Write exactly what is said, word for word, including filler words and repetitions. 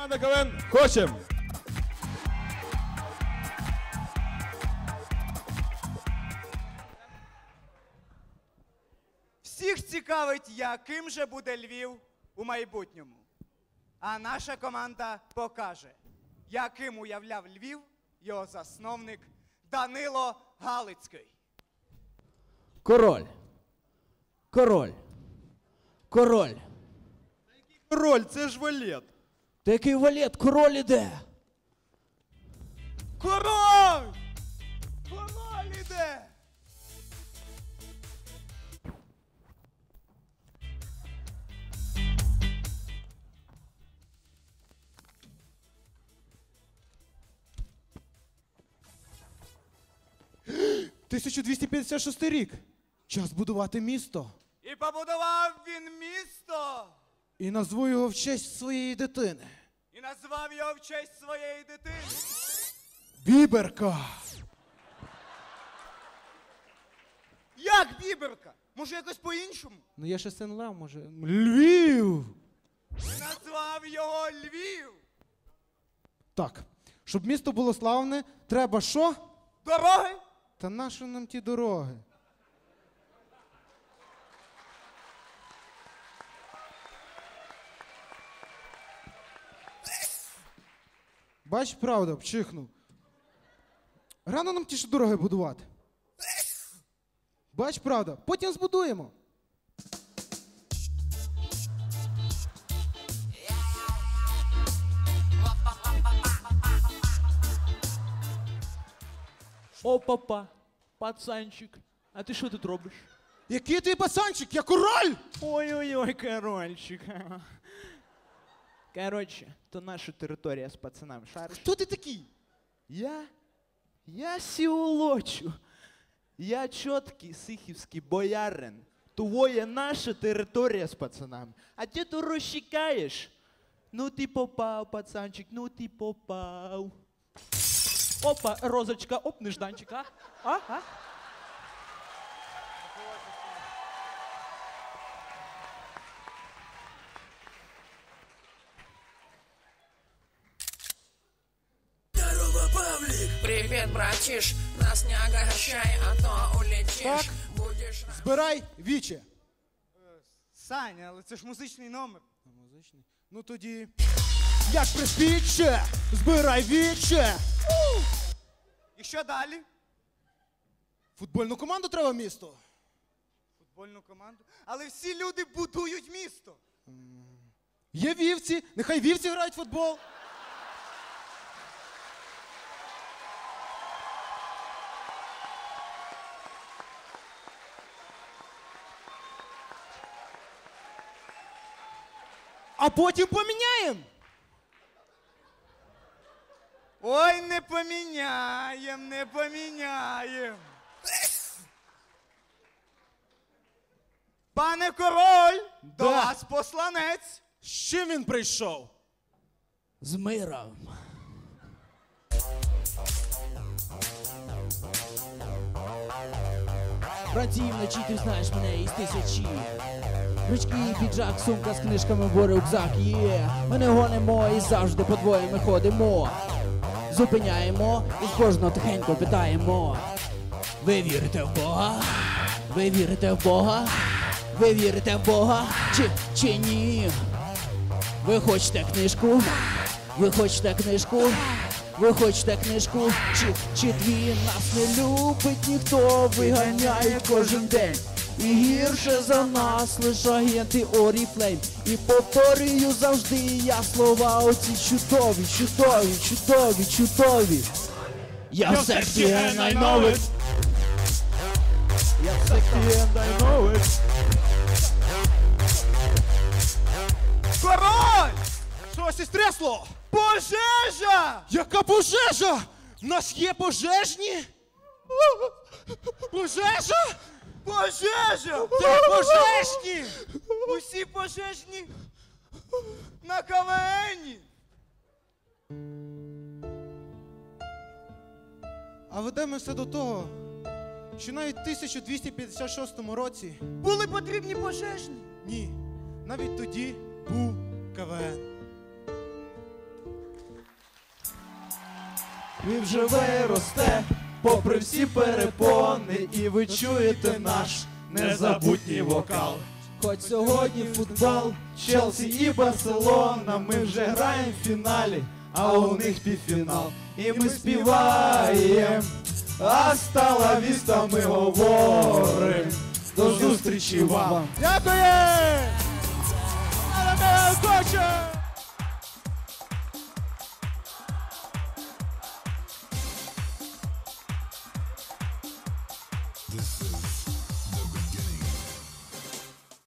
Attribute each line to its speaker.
Speaker 1: Команда КВН «Хочем».
Speaker 2: Всіх цікавить, яким же буде Львів у майбутньому. А наша команда покаже, яким уявляв Львів його засновник Данило Галицький.
Speaker 3: Король. Король. Король.
Speaker 1: Король, це ж валет.
Speaker 3: Та який валет? Король іде.
Speaker 2: Король! Король іде!
Speaker 4: тисяча двісті п'ятдесят шостий рік. Час будувати місто.
Speaker 2: І побудував він місто!
Speaker 4: І назву його в честь своєї дитини.
Speaker 2: І назвав його в честь своєї дитини.
Speaker 4: Біберка.
Speaker 2: Як Біберка? Може якось по-іншому?
Speaker 4: Ну я ще син Лев, може. Львів!
Speaker 2: І назвав його Львів.
Speaker 4: Так, щоб місто було славне, треба що?
Speaker 2: Дороги?
Speaker 4: Та нащо нам ті дороги? Бач, правда, вчихнув. Рано нам ті ж дороги будувати. Бач, правда, потім збудуємо.
Speaker 3: О, папа, пацанчик, а ти що тут робиш?
Speaker 4: Який ти пацанчик? Я король!
Speaker 3: Ой-ой-ой, корольчик. Короче, то наша територія з пацанами, шариш?
Speaker 4: Хто ти такий?
Speaker 3: Я? Я сіолочу. Я чіткий сихівський боярин. Твоя наша територія з пацанами. А ти тут розчекаєш? Ну ти попав, пацанчик, ну ти попав. Опа, розочка, оп, нежданчик, а? А? А?
Speaker 5: Привет, братиш, нас не огорчай, а то улетишь.
Speaker 4: Так.
Speaker 5: Будешь...
Speaker 4: Збирай віче.
Speaker 2: Саня, але це ж музичний номер.
Speaker 4: Музичний. Ну тоді. Як приспіче, збирай віче.
Speaker 2: І що далі?
Speaker 4: Футбольну команду треба в місто.
Speaker 2: Футбольну команду. Але всі люди будують місто.
Speaker 4: Є вівці, нехай вівці грають в футбол. А потім поміняємо.
Speaker 2: Ой, не поміняєм, не поміняєм. Пане король, до
Speaker 4: Да.
Speaker 2: вас посланець.
Speaker 4: З чим він прийшов?
Speaker 3: З миром. Братів вночі, ти знаєш мене із тисячі. Ручки, піджак, сумка з книжками, бо рюкзак є. Ми не гонимо і завжди по двоє ми ходимо. Зупиняємо і з кожного тихенько питаємо. Ви вірите в Бога? Ви вірите в Бога? Ви вірите в Бога? Чи, чи ні? Ви хочете книжку? Ви хочете книжку? Ви хочете книжку? Чи, чи дві нас не любить ніхто? Виганяє кожен день. І гірше за нас лише агенти Оріфлейм. І повторюю завжди я слова оці чудові, чудові, чудові, чудові. Я в секті and I know it. Я в секті and I know it.
Speaker 2: Король!
Speaker 4: Щось із трясло.
Speaker 2: Пожежа!
Speaker 4: Яка пожежа? В нас є пожежні? Пожежа?
Speaker 2: Пожежа!
Speaker 4: Де пожежні?
Speaker 2: Усі пожежні на КВНі.
Speaker 4: А ведемо все до того, що навіть в тисяча двісті п'ятдесят шостому році,
Speaker 2: Були потрібні пожежні.
Speaker 4: ні, навіть тоді був КВН.
Speaker 6: Львів живе і росте, попри всі перепони, і ви чуєте наш незабутній вокал. Хоч сьогодні футбол, Челсі і Барселона, ми вже граємо в фіналі, а у них півфінал. І ми співаємо, «Аста ла віста», ми говоримо. До зустрічі вам!
Speaker 1: Дякую! Хочем!